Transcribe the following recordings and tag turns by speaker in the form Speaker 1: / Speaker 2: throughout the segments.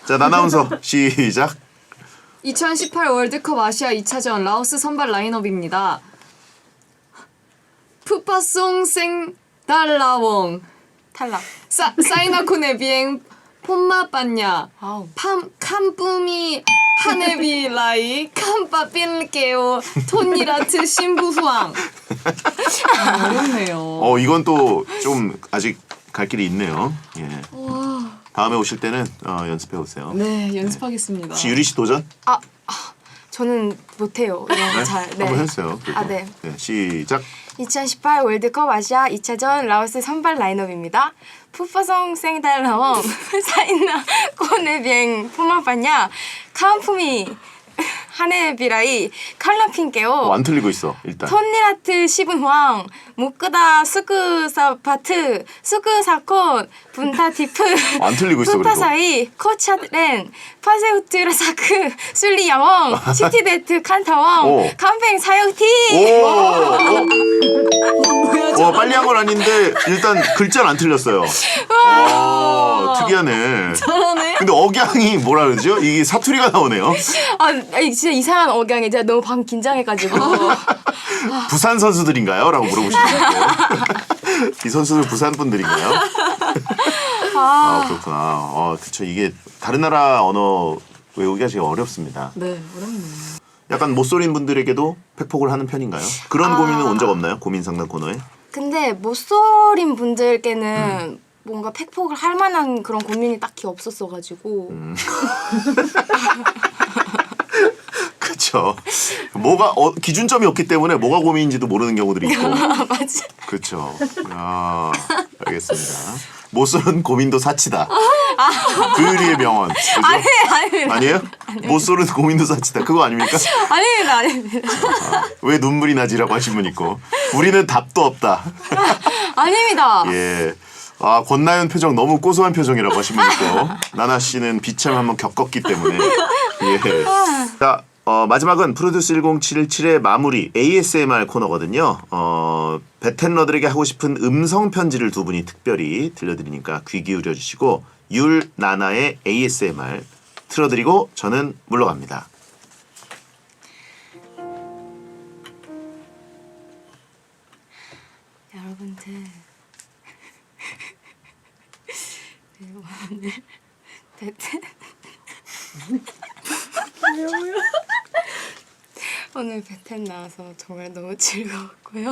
Speaker 1: 자, 나나운서 시작.
Speaker 2: 2018 월드컵 아시아 2차전 라오스 선발 라인업입니다. 푸파송 생 달라웡
Speaker 3: 탈락.
Speaker 2: 사이나코네 비엥 폼마 빤냐
Speaker 3: 아우.
Speaker 2: 캄뿌미 하네비 라이 캄빠빌게오 톤니라트 신부후앙. 어렵네요.
Speaker 1: 이건 또 좀 아직 갈 길이 있네요. 예.
Speaker 2: 와.
Speaker 1: 다음에 오실 때는 연습해 오세요.
Speaker 2: 네, 연습하겠습니다.
Speaker 1: 혹시 유리 씨 도전?
Speaker 3: 저는 못해요. 이런 거 잘. 네.
Speaker 1: 한번 해주세요. 그리고.
Speaker 3: 네.
Speaker 1: 네, 시작.
Speaker 3: 2018 월드컵 아시아 2차전 라오스 선발 라인업입니다. 푸파송 생달라웡 사이나 꼬네비엥 푸마파냐 카운푸미 하네비라이 칼라핑게오
Speaker 1: 안 틀리고 있어 일단.
Speaker 3: 톤니라트 시분황 무끄다 수크사파트 수크사콘 분타티프
Speaker 1: 안 틀리고 있어, 그래도.
Speaker 3: 푸파사이 코차렌 파세우트라사크 술리야웡 시티데트 칸타웡 캄팽 사역티.
Speaker 1: 와, 빨리 한 건 아닌데 일단 글자는 안 틀렸어요. 특이하네.
Speaker 2: 잘하네.
Speaker 1: 근데 억양이 뭐라 그러죠? 이게 사투리가 나오네요.
Speaker 3: 진짜 이상한 억양이 제가 너무 방금 긴장해가지고.
Speaker 1: 부산 선수들인가요? 라고 물어보시는데 이 선수들 부산 분들인가요? 그렇구나. 그쵸. 이게 다른 나라 언어 외우기가 제일 어렵습니다.
Speaker 2: 네, 어렵네요.
Speaker 1: 약간 못소린 분들에게도 팩폭을 하는 편인가요? 그런 고민은 온 적 없나요? 고민 상담 코너에?
Speaker 3: 근데 못소린 분들께는 뭔가 팩폭을 할 만한 그런 고민이 딱히 없었어가지고.
Speaker 1: 그쵸. 뭐가 기준점이 없기 때문에 뭐가 고민인지도 모르는 경우들이 있고.
Speaker 3: 맞아.
Speaker 1: 그쵸. 알겠습니다. 못소는 고민도 사치다. 그의리의 명언. 그죠? 아니에요? 못소는 고민도 사치다. 그거 아닙니까?
Speaker 3: 아닙니다.
Speaker 1: 왜 눈물이 나지라고 하신 분 있고. 우리는 답도 없다.
Speaker 3: 아닙니다.
Speaker 1: 예. 권나연 표정 너무 고소한 표정이라고 하신 분 있고. 나나 씨는 비참 한번 겪었기 때문에. 예. 자, 마지막은 프로듀스 1077의 마무리 ASMR 코너거든요. 베텐러들에게 하고 싶은 음성 편지를 두 분이 특별히 들려드리니까 귀 기울여 주시고 율나나의 ASMR 틀어드리고 저는 물러갑니다.
Speaker 3: 여러분들 오늘 베텐 오늘 베텐 나와서 정말 너무 즐거웠고요.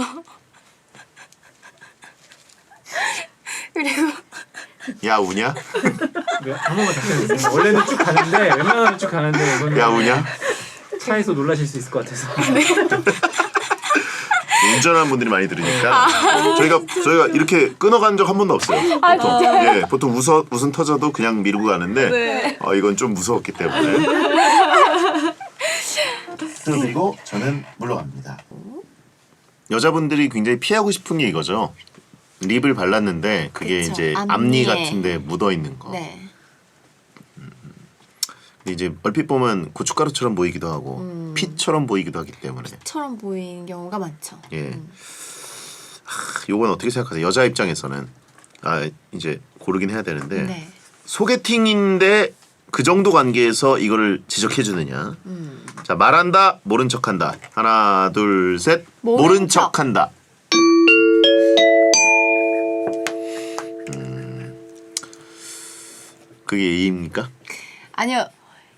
Speaker 3: 그리고
Speaker 1: 야 우냐?
Speaker 4: 한 번만 다시 해주세요. 원래는 쭉 가는데 웬만하면 쭉 가는데 이거는
Speaker 1: 야 우냐?
Speaker 4: 차에서 놀라실 수 있을 것 같아서.
Speaker 1: 운전하는 분들이 많이 들으니까 저희가 이렇게 끊어간 적 한 번도 없어요. 보통. 예, 보통 웃음 터져도 그냥 미루고 가는데
Speaker 2: 네.
Speaker 1: 이건 좀 무서웠기 때문에. 그리고 저는 물러갑니다. 여자분들이 굉장히 피하고 싶은 게 이거죠. 립을 발랐는데 그게
Speaker 3: 그쵸.
Speaker 1: 이제 앞니
Speaker 3: 앞니에.
Speaker 1: 같은데 묻어 있는 거.
Speaker 3: 네.
Speaker 1: 근데 이제 얼핏 보면 고춧가루처럼 보이기도 하고 핏처럼 보이기도 하기 때문에.
Speaker 3: 처럼 보이는 경우가 많죠.
Speaker 1: 예. 요건 어떻게 생각하세요? 여자 입장에서는 이제 고르긴 해야 되는데
Speaker 3: 네.
Speaker 1: 소개팅인데 그 정도 관계에서 이거를 지적해 주느냐. 자, 말한다, 모른 척한다. 하나, 둘, 셋. 모른
Speaker 3: 척.
Speaker 1: 척한다. 그게 예의입니까?
Speaker 3: 아니요.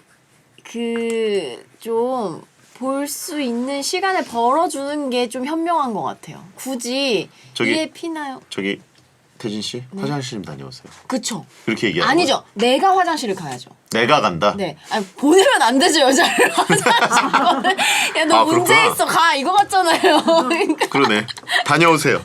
Speaker 3: 좀 볼 수 있는 시간을 벌어주는 게 좀 현명한 것 같아요. 굳이 이에 피나요?
Speaker 1: 저기 태진 씨 화장실 좀 다녀오세요.
Speaker 3: 그쵸.
Speaker 1: 그렇게 얘기하는
Speaker 3: 아니죠. 내가 화장실을 가야죠.
Speaker 1: 내가 간다.
Speaker 3: 네. 아니, 보내면 안 되죠, 여자를. 화장실. 야, 너 문제
Speaker 1: 그렇구나.
Speaker 3: 있어. 가. 이거 같잖아요. 그러니까
Speaker 1: 그러네. 다녀오세요.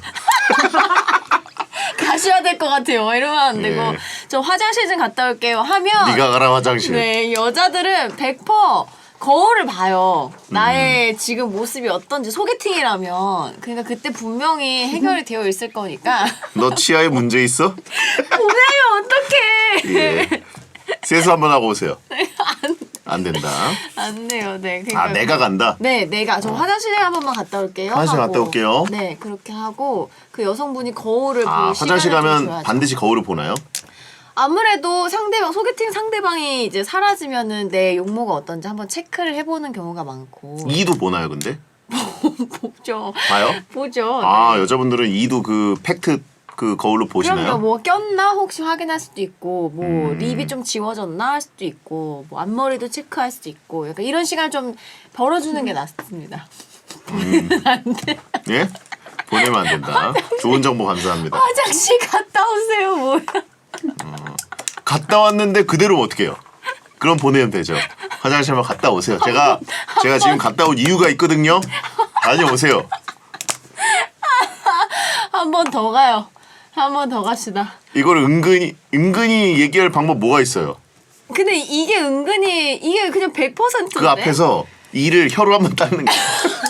Speaker 3: 가셔야 될 것 같아요. 이러면 안 되고.
Speaker 1: 예.
Speaker 3: 저 화장실 좀 갔다 올게요. 하면.
Speaker 1: 네가 가라 화장실.
Speaker 3: 네, 여자들은 100% 거울을 봐요. 나의 지금 모습이 어떤지 소개팅이라면. 그러니까 그때 분명히 해결이 되어 있을 거니까.
Speaker 1: 너 치아에 문제 있어?
Speaker 3: 보내면 어떡해.
Speaker 1: 예. 세수 한번 하고 오세요. 안 된다.
Speaker 3: 안 돼요. 네. 그러니까
Speaker 1: 내가 간다.
Speaker 3: 네, 내가 저 화장실에 한 번만 갔다 올게요.
Speaker 1: 화장실
Speaker 3: 하고.
Speaker 1: 갔다 올게요.
Speaker 3: 네, 그렇게 하고 그 여성분이 거울을 볼
Speaker 1: 화장실
Speaker 3: 시간을 좀
Speaker 1: 가면
Speaker 3: 줘야죠.
Speaker 1: 반드시 거울을 보나요?
Speaker 3: 아무래도 상대방 소개팅 상대방이 이제 사라지면은 내 용모가 어떤지 한번 체크를 해보는 경우가 많고.
Speaker 1: 이도 보나요, 근데?
Speaker 3: 보죠.
Speaker 1: 봐요?
Speaker 3: 보죠.
Speaker 1: 아,
Speaker 3: 네.
Speaker 1: 여자분들은 이도 그 팩트 그 거울로 보시나요?
Speaker 3: 그럼요. 뭐 꼈나 혹시 확인할 수도 있고, 뭐
Speaker 1: 음.
Speaker 3: 립이 좀 지워졌나 할 수도 있고, 뭐 앞머리도 체크할 수도 있고, 약간 이런 시간을 좀 벌어주는 게 낫습니다.
Speaker 1: 예? 보내면 안 된다. 좋은 정보 감사합니다.
Speaker 3: 화장실 갔다 오세요. 뭐야?
Speaker 1: 갔다 왔는데 그대로 어떻게 해요? 그럼 보내면 되죠. 화장실 한번 갔다 오세요. 제가 지금 갔다 온 이유가 있거든요. 다녀오세요.
Speaker 3: 한 번 더 가요. 한 번 더 갑시다.
Speaker 1: 이걸 은근히 얘기할 방법 뭐가 있어요?
Speaker 3: 근데 이게 은근히 이게 그냥 100%인데.
Speaker 1: 그 앞에서 이를 혀로 한번 닦는 거.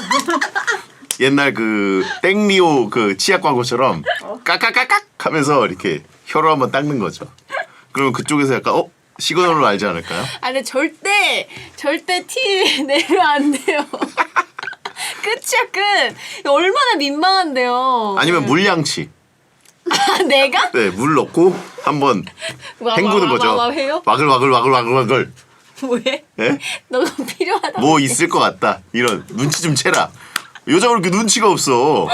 Speaker 1: 옛날 그 땡리오 그 치약 광고처럼 까까까깍 하면서 이렇게 혀로 한번 닦는 거죠. 그러면 그쪽에서 약간 시그널로 알지 않을까요?
Speaker 3: 아 근데 절대 티 내면 안 돼요. 끝이야 끝. 얼마나 민망한데요.
Speaker 1: 아니면 물양치.
Speaker 3: 아, 내가?
Speaker 1: 네, 물 넣고 한번 헹구는 거죠.
Speaker 3: 해요?
Speaker 1: 와글와글.
Speaker 3: 왜?
Speaker 1: 예?
Speaker 3: 너가 필요하다.
Speaker 1: 뭐 있을 것 같다. 이런 눈치 좀 채라. 여자가 그렇게 눈치가 없어.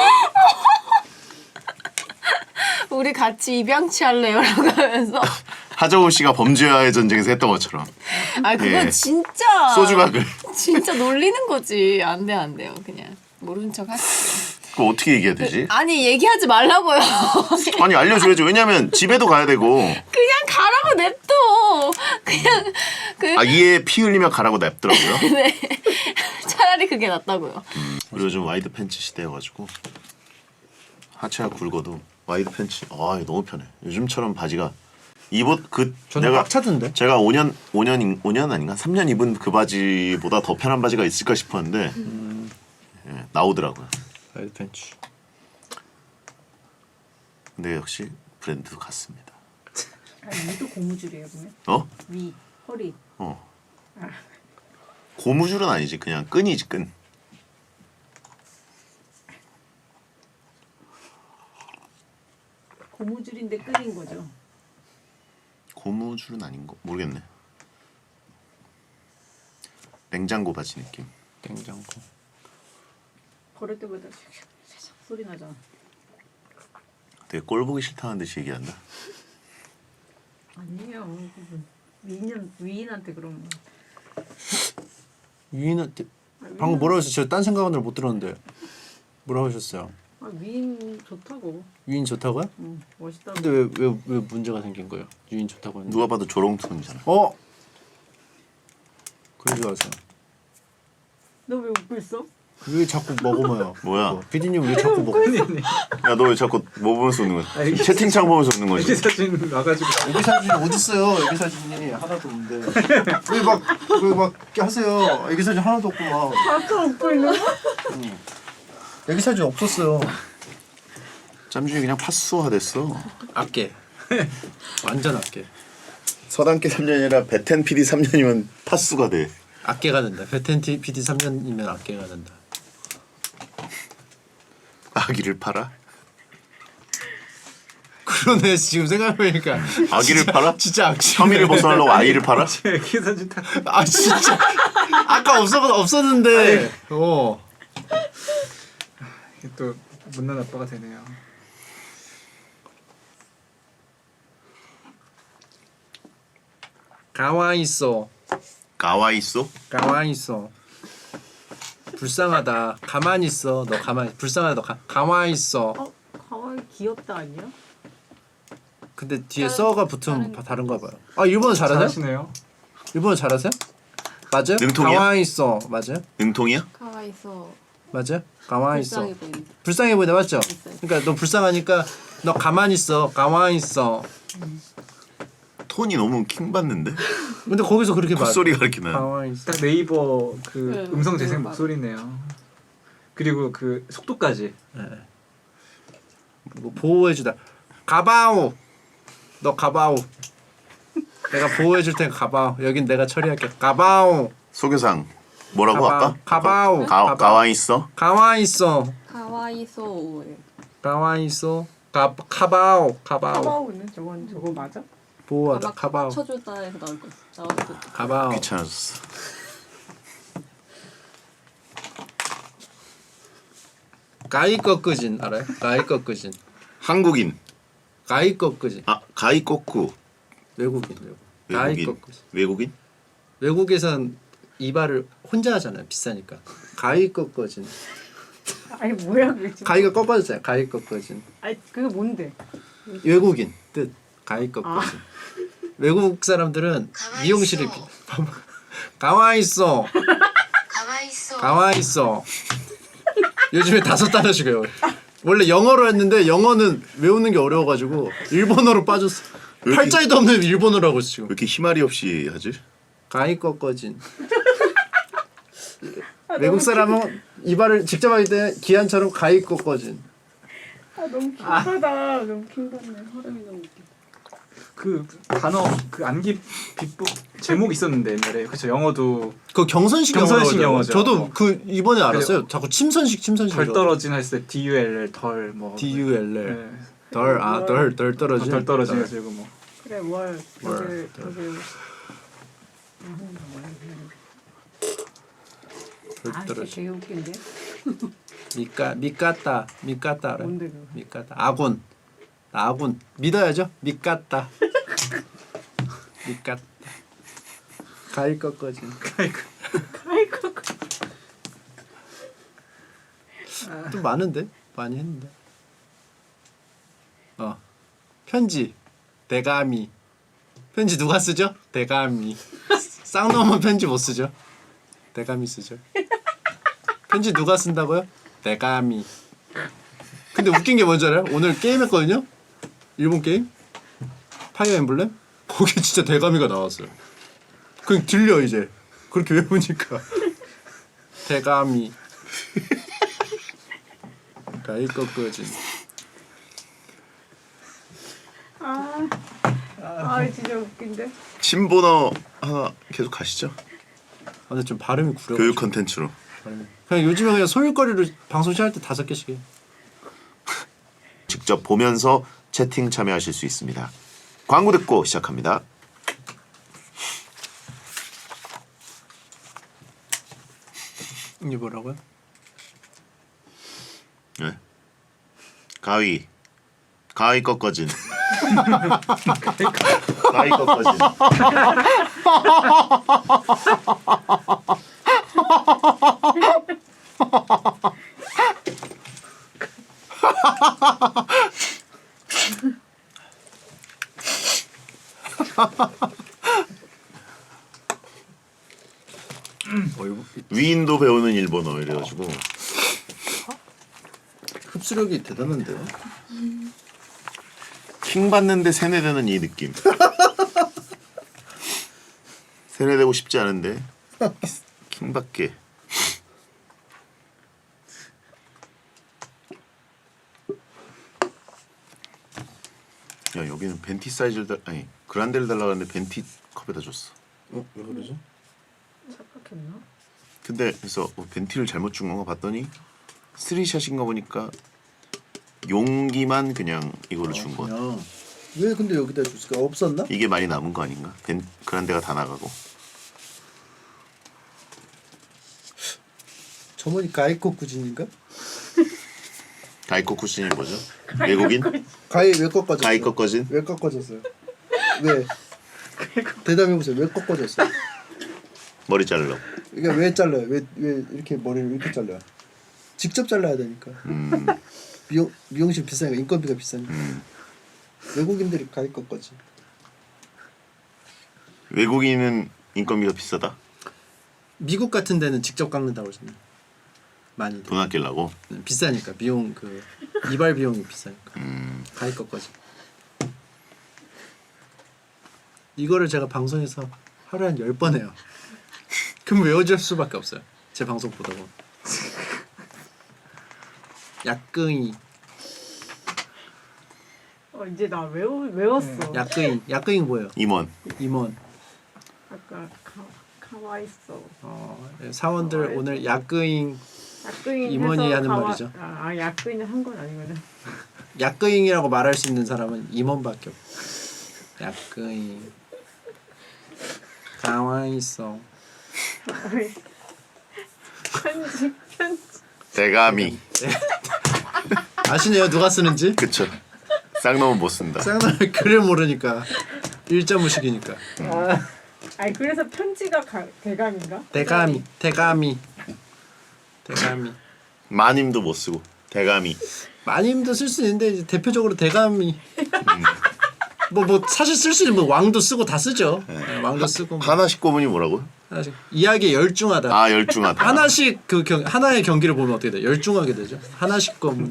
Speaker 3: 우리 같이 입양치 할래요라고 하면서.
Speaker 1: 하정우 씨가 범죄와의 전쟁에서 했던 것처럼
Speaker 3: 아 그건
Speaker 1: 예.
Speaker 3: 진짜.
Speaker 1: 소주각을.
Speaker 3: 진짜 놀리는 거지. 안 돼요. 그냥 모른 척 하시죠.
Speaker 1: 그거 어떻게 얘기해야 되지?
Speaker 3: 아니 얘기하지 말라고요.
Speaker 1: 아니 알려줘야죠. 왜냐면 집에도 가야 되고.
Speaker 3: 그냥 가라고 냅둬. 그냥 그
Speaker 1: 이에 피 흘리면 가라고 냅더라고요.
Speaker 3: 네. 차라리 그게 낫다고요.
Speaker 1: 그리고 요즘 와이드 팬츠 시대여가지고 하체가 굵어도 와이드 팬츠 이거 너무 편해. 요즘처럼 바지가 입옷
Speaker 4: 저는 꽉 차던데.
Speaker 1: 제가 5년 아닌가 3년 입은 그 바지보다 더 편한 바지가 있을까 싶었는데 예, 나오더라고요.
Speaker 4: 와이드 팬츠.
Speaker 1: 근데 역시 브랜드도 같습니다.
Speaker 5: 위도 고무줄이에요 보면. 위, 허리.
Speaker 1: 고무줄은 아니지. 그냥 끈이지 끈.
Speaker 5: 고무줄인데 끈인 거죠.
Speaker 1: 고무줄은 아닌 거 모르겠네. 냉장고 바지 느낌.
Speaker 4: 냉장고.
Speaker 5: 걸을 때마다 살짝 소리 나잖아.
Speaker 1: 되게 꼴 보기 싫다는 듯이 얘기한다.
Speaker 5: 아니에요. 위인한테 그런 거.
Speaker 4: 유인한테 방금 뭐라고 하셨어요? 저 딴 생각은 못 들었는데 뭐라고 하셨어요?
Speaker 5: 위인 좋다고.
Speaker 4: 유인 좋다고요?
Speaker 5: 멋있다고.
Speaker 4: 근데 왜 문제가 생긴 거예요? 유인 좋다고 했는데.
Speaker 1: 누가 봐도 조롱톤이잖아.
Speaker 4: 그러지 마세요.
Speaker 5: 너 왜 웃고 있어?
Speaker 4: 왜 자꾸 먹어요?
Speaker 1: 뭐야?
Speaker 4: 피디님 왜 자꾸 먹어?
Speaker 1: 야 너 왜 자꾸 뭐 보면서 웃는 거야?
Speaker 4: 아니,
Speaker 1: 채팅창 보면서 웃는 거지.
Speaker 4: 애기 사진 와가지고 애기 사진이 어딨어요? 애기 사진이 하나도 없는데 왜 막 하세요? 애기 사진 하나도 없고 막
Speaker 5: 아까 웃고 있는 거?
Speaker 4: 애기 사진 없었어요.
Speaker 1: 짬준이 그냥 파수화 됐어.
Speaker 4: 아깨 완전 아깨.
Speaker 1: 서당계 3년이라 베텐 PD 3년이면 파수가 돼.
Speaker 4: 아깨가 된다. 베텐 PD 3년이면 아깨가 된다.
Speaker 1: 아기를 팔아?
Speaker 4: 그러네. 지금 생각해보니까
Speaker 1: 아기를 팔아?
Speaker 4: 진짜 악취.
Speaker 1: 혐의를 벗어나려고 아이를 팔아?
Speaker 4: 애기 사진 다. 아 진짜 아까 없었는데.
Speaker 6: 또 못난 아빠가 되네요.
Speaker 4: 가만히 있어.
Speaker 1: 가와이 있어?
Speaker 4: 가만히 있어. 불쌍하다. 가만히 있어. 너 가만히. 불쌍하다. 너 가만히 있어.
Speaker 5: 가와이 귀엽다 아니야?
Speaker 4: 근데 뒤에 써가 붙으면 다른가 봐요. 일본어 잘하세요?
Speaker 6: 잘하시네요.
Speaker 4: 일본어 잘하세요? 맞아요?
Speaker 1: 능통이야?
Speaker 4: 가만히 있어. 맞아요?
Speaker 1: 능통이야?
Speaker 2: 가와 있어.
Speaker 4: 맞아요? 가만히 있어.
Speaker 5: 불쌍해 보인다.
Speaker 4: 불쌍해 보이네. 맞죠? 그러니까 너 불쌍하니까 너 가만히 있어. 가만히 있어.
Speaker 1: 톤이 너무 킹 받는데?
Speaker 4: 근데 거기서 그렇게 말.
Speaker 1: 콧소리가 이렇게 나.
Speaker 4: 가만히 있어.
Speaker 6: 딱 네이버 그
Speaker 5: 네,
Speaker 6: 음성 재생
Speaker 5: 맞아.
Speaker 6: 목소리네요. 그리고 그 속도까지.
Speaker 4: 뭐 보호해주다. 가바오. 너 가바오. 내가 보호해줄 테니까 가바오. 여긴 내가 처리할게. 가바오.
Speaker 1: 소교상 뭐라고
Speaker 4: 가바오.
Speaker 1: 아까?
Speaker 4: 가바오.
Speaker 1: 가와이 있어?
Speaker 4: 가만히 있어.
Speaker 2: 가와이소.
Speaker 4: 가만히 있어. 가바오. 가바오.
Speaker 5: 카바오는 저거 맞아?
Speaker 4: 보호하다. 가바오.
Speaker 5: 쳐줬다에서 나올 거. 나올 거.
Speaker 4: 가바오.
Speaker 1: 귀찮아졌어.
Speaker 4: 가이 꺾으진 알아요? 가이 꺾으진.
Speaker 1: 한국인.
Speaker 4: 가이 꺾으진.
Speaker 1: 아 가이꼬쿠.
Speaker 4: 외국인. 가이
Speaker 1: 외국인.
Speaker 4: 꺾으진.
Speaker 1: 외국인?
Speaker 4: 외국에선 이발을 혼자 하잖아요. 비싸니까. 가이 꺾어진.
Speaker 5: 아니 뭐야 그게 지금.
Speaker 4: 가이가 꺾어졌잖아요. 가이 꺾어진.
Speaker 5: 아니 그게 뭔데?
Speaker 4: 외국인 뜻. 가이 꺾어진. 외국 사람들은 미용실에 가와 있어. 가와 있어. 요즘에 $5씩해요. 원래 영어로 했는데 영어는 외우는 게 어려워가지고 일본어로 빠졌어.
Speaker 1: 왜 이렇게-
Speaker 4: 팔자에도 없는 일본어로 하고 있어
Speaker 1: 왜
Speaker 4: 지금.
Speaker 1: 이렇게 희마리 없이 하지?
Speaker 4: 가이 꺾어진. 외국 사람은 이발을 직접 하기 때문에 기한처럼 가이 꺾어진.
Speaker 5: 아 너무 킹받아. 너무 킹받네. 허름이 너무 웃겨.
Speaker 6: 그 단어 그 암기 비법 제목 있었는데 옛날에 그쵸 영어도
Speaker 4: 그 경선식
Speaker 6: 경선식
Speaker 4: 영어라고
Speaker 6: 영어죠.
Speaker 4: 저도 그 이번에 알았어요. 자꾸 침선식.
Speaker 6: 덜 떨어진 했을 때 DULL 덜뭐
Speaker 4: DULL 덜 떨어진.
Speaker 6: 덜 떨어진 해가지고 뭐
Speaker 5: 그래 월
Speaker 4: 월,
Speaker 5: 덕을
Speaker 4: 덜
Speaker 5: 아 진짜
Speaker 4: 떨어진.
Speaker 5: 되게 웃긴데.
Speaker 4: 미까따 알아요?
Speaker 5: 뭔데 그거?
Speaker 4: 미까따 아군 믿어야죠. 미까따 미까따 가일 꺾어진.
Speaker 5: 아이고.
Speaker 4: 또 많은데 많이 했는데. 편지 대가미. 편지 누가 쓰죠? 대가미. 쌍놈은 편지 못 쓰죠. 대가미 쓰죠. 편지 누가 쓴다고요? 대가미. 근데 웃긴 게 뭔지 알아요? 오늘 게임 했거든요. 일본 게임 파이어 엠블렘. 거기 진짜 대가미가 나왔어요. 그냥 들려 이제 그렇게 외우니까. 대가미. 가이 꺾어진.
Speaker 5: 아 진짜 웃긴데.
Speaker 1: 신본어 하나 계속 가시죠.
Speaker 4: 근데 좀 발음이 구려.
Speaker 1: 교육 컨텐츠로.
Speaker 4: 그냥 요즘에 그냥 소일거리로 방송 시작할 때 5개씩 해.
Speaker 1: 직접 보면서 채팅 참여하실 수 있습니다. 광고 듣고 시작합니다.
Speaker 4: 이게 뭐라고요?
Speaker 1: 네. 가위 꺾어진. 가위 꺾어진. 위인도 배우는 일본어 이래가지고
Speaker 4: 흡수력이 대단한데요.
Speaker 1: 킹 받는데 세뇌되는 이 느낌. 세뇌되고 싶지 않은데 킹 받게. 야 여기는 벤티 사이즈를 아니 그란데를 달라고 하는데 벤티 컵에다 줬어.
Speaker 4: 왜 그러죠?
Speaker 5: 착각했나?
Speaker 1: 근데 그래서 벤티를 잘못 준 건가 봤더니 쓰리샷인 거 보니까 용기만 그냥 이거를 준 거야.
Speaker 4: 그냥 왜 근데 여기다 줬을까? 없었나?
Speaker 1: 이게 많이 남은 거 아닌가? 그란데가 다 나가고.
Speaker 4: 저번이 가이코 구진인가?
Speaker 1: 가이코 쿠신이 뭐죠? 외국인?
Speaker 4: 가이 왜 꺾어졌어?
Speaker 1: 가이 꺾어진?
Speaker 4: 왜 꺾어졌어요? 왜? 대답해 보세요. 왜 꺾어졌어요?
Speaker 1: 머리 자르려고.
Speaker 4: 이게 왜 잘라요? 왜 이렇게 머리를 이렇게 잘라요? 직접 잘라야 되니까. 미용실 비싸니까 인건비가 비싸니까. 외국인들이 가이 꺾어지.
Speaker 1: 외국인은 인건비가 비싸다?
Speaker 4: 미국 같은 데는 직접 깎는다고 그러잖아요. 많이
Speaker 1: 돈 아끼려고?
Speaker 4: 비싸니까 미용 그 이발 비용이 비싸니까 가이 꺾어지. 이거를 제가 방송에서 하루에 한 10번 해요. 그럼 외워질 수밖에 없어요. 제 방송 보다 보면. 약근이
Speaker 5: 이제 나 외웠어.
Speaker 4: 약근이 뭐예요?
Speaker 1: 임원.
Speaker 4: 임원.
Speaker 5: 아까 가와 있어.
Speaker 4: 사원들 오늘 약근잉
Speaker 5: 약근이
Speaker 4: 임원이
Speaker 5: 해서
Speaker 4: 하는 말이죠.
Speaker 5: 약근이 한 건 아니거든.
Speaker 4: 약근잉이라고 말할 수 있는 사람은 임원밖에 없어. 야끄이 가만히 있어.
Speaker 5: 편지.
Speaker 1: 대가미.
Speaker 4: 아시네요 누가 쓰는지?
Speaker 1: 그쵸. 쌍놈은 못 쓴다.
Speaker 4: 쌍놈이 글을 모르니까 일자무식이니까.
Speaker 5: 아니 그래서 편지가 대감인가?
Speaker 4: 대가미.
Speaker 1: 마님도 못 쓰고 대가미.
Speaker 4: 마님도 쓸 수 있는데 이제 대표적으로 대가미. 뭐 사실 쓸 수 있는 뭐 왕도 쓰고 다 쓰죠. 네, 왕도 쓰고. 뭐.
Speaker 1: 하나씩 꼬문이 뭐라고?
Speaker 4: 하나씩 이야기에 열중하다.
Speaker 1: 아 열중하다.
Speaker 4: 하나씩 하나의 경기를 보면 어떻게 돼? 열중하게 되죠. 하나씩 거면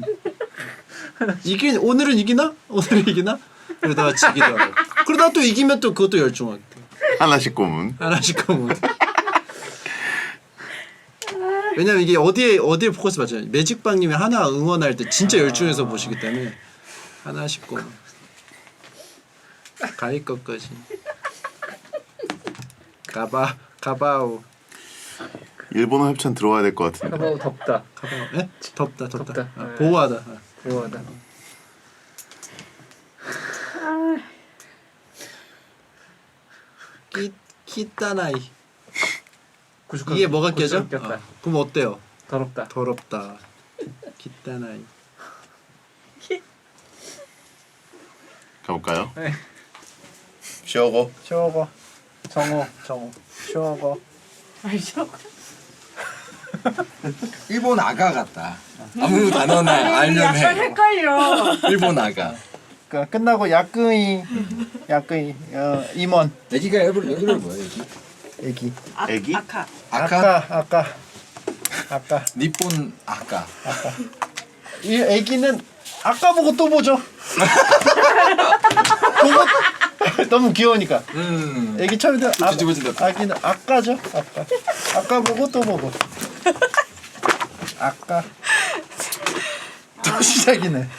Speaker 4: 오늘은 이기나? 그러다가 지기도 하고. 그러다가 또 이기면 또 그것도 열중하게 돼.
Speaker 1: 하나씩 꼬문.
Speaker 4: 하나씩 거면. 왜냐면 이게 어디에 포커스 맞잖아요. 매직방님이 하나 응원할 때 진짜 열중해서 보시기 때문에 하나씩 거면. 가위 것까지. 가바오.
Speaker 1: 일본어 협찬 들어와야 될 것 같은데.
Speaker 6: 가봐도 덥다.
Speaker 4: 예? 덥다.
Speaker 6: 덥다.
Speaker 4: 아, 보호하다.
Speaker 6: 좋아하다.
Speaker 4: 키따나이.
Speaker 6: 99.
Speaker 4: 이게 뭐가 깨져?
Speaker 6: 꼈다.
Speaker 4: 그럼 어때요?
Speaker 6: 더럽다.
Speaker 4: 더럽다. 키따나이.
Speaker 1: 가볼까요?
Speaker 6: 네.
Speaker 1: 쉬어고.
Speaker 4: 쇼거. 정호. 쇼거.
Speaker 5: 알죠?
Speaker 7: 일본 아가 같다. 아무 단어나 알면
Speaker 5: 약간
Speaker 7: 해.
Speaker 5: 헷갈려.
Speaker 7: 일본 아가.
Speaker 4: 그러니까 끝나고 야끄이 임원
Speaker 7: 애기가 여기를 뭐야 애기?
Speaker 4: 애기.
Speaker 1: 애기?
Speaker 3: 아카.
Speaker 4: 아까
Speaker 7: 니폰 아가.
Speaker 4: 이 애기는 아까 보고 또 보죠. 보고 너무 귀여우니까. 애기 처음에
Speaker 7: 뒤집어진다.
Speaker 4: 아기는 아까죠. 아까 보고 또 보고. 아까 또 시작이네.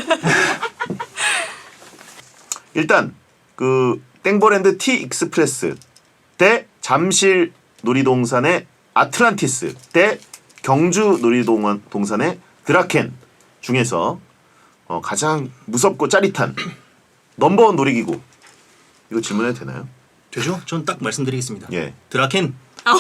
Speaker 1: 일단 그 땡버랜드 티 익스프레스 대 잠실 놀이동산의 아틀란티스 대 경주 놀이동산의 드라켄 중에서 가장 무섭고 짜릿한 넘버원 놀이기구 이거 질문해도 되나요?
Speaker 8: 되죠? 전 딱 말씀드리겠습니다.
Speaker 1: 예.
Speaker 8: 드라켄.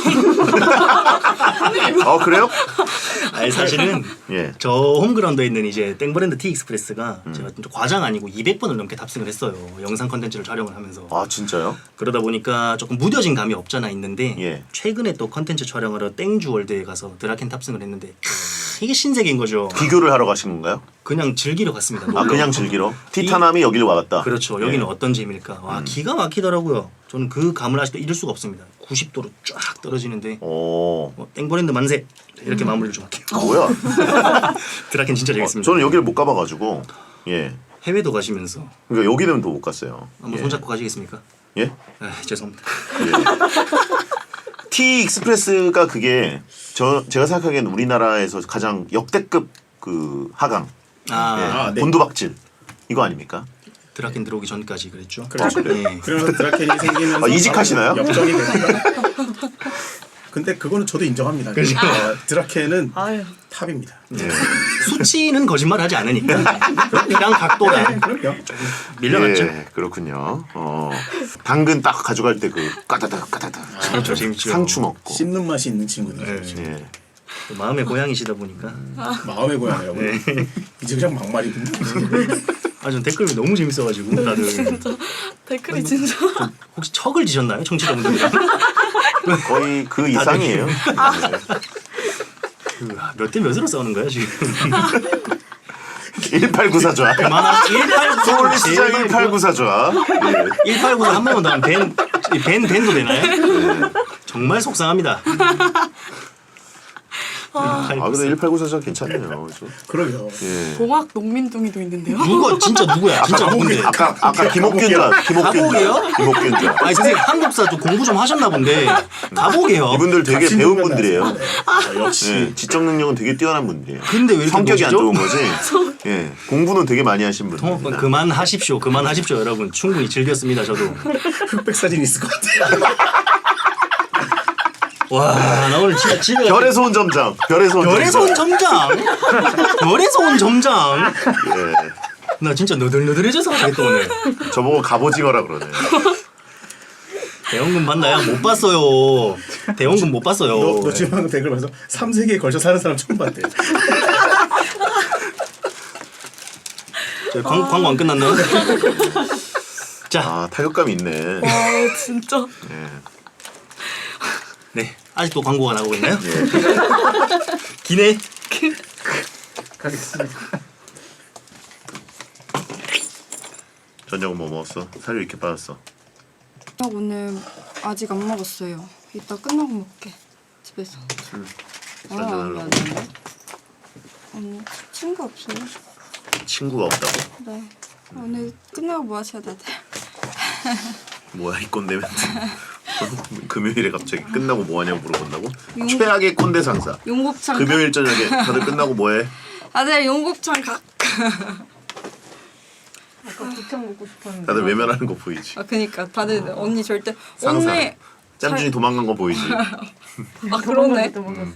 Speaker 1: 그래요?
Speaker 8: 아니 사실은
Speaker 1: 예.
Speaker 8: 저 홈그라운드에 있는 이제 땡브랜드 티 익스프레스가 제가 좀 과장 아니고 200번을 넘게 탑승을 했어요. 영상 컨텐츠를 촬영을 하면서.
Speaker 1: 아 진짜요?
Speaker 8: 그러다 보니까 조금 무뎌진 감이 없잖아 있는데
Speaker 1: 예.
Speaker 8: 최근에 또 컨텐츠 촬영하러 땡주월드에 가서 드라켄 탑승을 했는데 이게 신세계인 거죠.
Speaker 1: 비교를 하러 가신 건가요?
Speaker 8: 그냥 즐기러 갔습니다.
Speaker 1: 아 그냥 즐기러? 티타남이 여기를 와갔다.
Speaker 8: 그렇죠. 여기는
Speaker 1: 예.
Speaker 8: 어떤 재미일까? 와 기가 막히더라고요. 저는 그 감을 아직도 잃을 수가 없습니다. 90도로 쫙 떨어지는데 땡브랜드 만세 이렇게 마무리를 좀 할게요.
Speaker 1: 뭐야?
Speaker 8: 드라켄 진짜 재밌습니다.
Speaker 1: 저는 여기를 못 가봐가지고 예.
Speaker 8: 해외도 가시면서
Speaker 1: 그러니까 여기는 또 못 갔어요.
Speaker 8: 한번
Speaker 1: 예.
Speaker 8: 손잡고 가시겠습니까?
Speaker 1: 예?
Speaker 8: 죄송합니다.
Speaker 1: 티 익스프레스가 그게 제가 생각하기에는 우리나라에서 가장 역대급 그 하강, 예.
Speaker 8: 네.
Speaker 1: 곤두박질 이거 아닙니까?
Speaker 8: 드라켄 들어오기 전까지 그랬죠.
Speaker 9: 그렇죠.
Speaker 8: 네.
Speaker 9: 그러면서 드라켄이 생기면서
Speaker 1: 이직하시나요?
Speaker 9: 역전이 됩니다. 근데 그거는 저도 인정합니다.
Speaker 8: 그렇죠.
Speaker 9: 드라켄은 탑입니다.
Speaker 1: 예.
Speaker 8: 수치는 거짓말하지 않으니까 그냥 각도가
Speaker 9: 그럼요.
Speaker 8: 밀려났죠.
Speaker 1: 예, 그렇군요. 당근 딱 가져갈 때 그 까다닥
Speaker 8: 그렇죠, 재밌죠.
Speaker 1: 상추 먹고.
Speaker 9: 씹는 맛이 있는 친구들.
Speaker 1: 예.
Speaker 8: 또 마음의 고향이시다 보니까
Speaker 9: 마음의 고향이라고. 이제 그냥 막말이군요.
Speaker 8: 전 댓글이 너무 재밌어가지고 다들
Speaker 3: 댓글이 진짜.
Speaker 8: 혹시 척을 지셨나요, 청취자분들?
Speaker 1: 거의 그 이상이에요.
Speaker 8: 몇 대 몇으로 싸우는 거야 지금?
Speaker 1: 1894 좋아.
Speaker 8: 그만한 1894.
Speaker 1: 서울시장 1894 좋아.
Speaker 8: 1894 한 번만 더 하면 밴도 되나요? 정말 속상합니다.
Speaker 1: 근데 1894 괜찮네요.
Speaker 9: 그러게요.
Speaker 1: 예.
Speaker 5: 동학 농민둥이도 있는데요.
Speaker 8: 누가 진짜 누구야? 진짜 누군데?
Speaker 1: 아까 김옥균 줄
Speaker 8: 가복이요?
Speaker 1: 김옥균 줄.
Speaker 8: 아니 선생님 한국사 좀 공부 좀 하셨나 본데 가복이요.
Speaker 1: 이분들 되게
Speaker 9: 같이
Speaker 1: 배운
Speaker 9: 놀면
Speaker 1: 분들이에요.
Speaker 9: 역시.
Speaker 1: 예, 지적 능력은 되게 뛰어난 분들이에요.
Speaker 8: 근데 왜 이렇게
Speaker 1: 성격이 안
Speaker 8: 노시죠?
Speaker 1: 좋은 거지. 예, 공부는 되게 많이 하신 분들.
Speaker 8: 통합번 그만하십시오 여러분. 충분히 즐겼습니다 저도.
Speaker 9: 흑백 사진 있을 것 같아요.
Speaker 8: 와 나 오늘 진짜 집에
Speaker 1: 별에서 온 점장. 별에서 온
Speaker 8: 별에서 온 점장. 별에서 온 점장.
Speaker 1: 예.
Speaker 8: 나 진짜 너덜너덜해져서 가겠다 오늘.
Speaker 1: 저보고 갑오징어라 그러네.
Speaker 8: 대원금 봤나요? 못 봤어요. 대원금 못 봤어요.
Speaker 9: 너 지금 방금 댓글 봐서 3세기에 걸쳐 사는 사람 처음 봤대.
Speaker 8: 저희 광고 안 끝났나요? 자,
Speaker 1: 아 타격감이 있네.
Speaker 2: 아 진짜.
Speaker 1: 예.
Speaker 8: 네 아직도 광고가 나오고 있나요?
Speaker 1: 예.
Speaker 8: 기네.
Speaker 6: 가겠습니다.
Speaker 1: 저녁은 뭐 먹었어? 살이 이렇게 빠졌어.
Speaker 5: 오늘 아직 안 먹었어요. 이따 끝나고 먹게. 집에서.
Speaker 1: 술
Speaker 5: 아니
Speaker 1: 한잔하려고.
Speaker 5: 아니. 아니 친구 없어요?
Speaker 1: 친구가 없다고?
Speaker 5: 네. 오늘 끝나고 뭐 하셔야 돼?
Speaker 1: 뭐야 이 꼰대 멘트. 금요일에 갑자기 끝나고 뭐하냐고 물어본다고? 최악의 꼰대 상사.
Speaker 5: 용곱창.
Speaker 1: 금요일 저녁에 다들 끝나고 뭐해?
Speaker 5: 아들 용곱창 각. 아까 곱창 먹고 싶었는데.
Speaker 1: 다들 외면하는 거 보이지?
Speaker 5: 아 그니까 다들 언니 절대
Speaker 1: 상사.
Speaker 5: 오늘
Speaker 1: 짬준이 도망간 거 보이지?
Speaker 5: 아 그러네.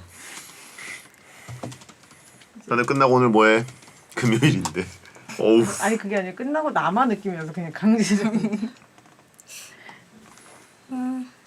Speaker 1: 다들 끝나고 오늘 뭐해? 금요일인데. 어우.
Speaker 10: 아니 그게 아니라 끝나고 나만 느끼면서 그냥 강제적으로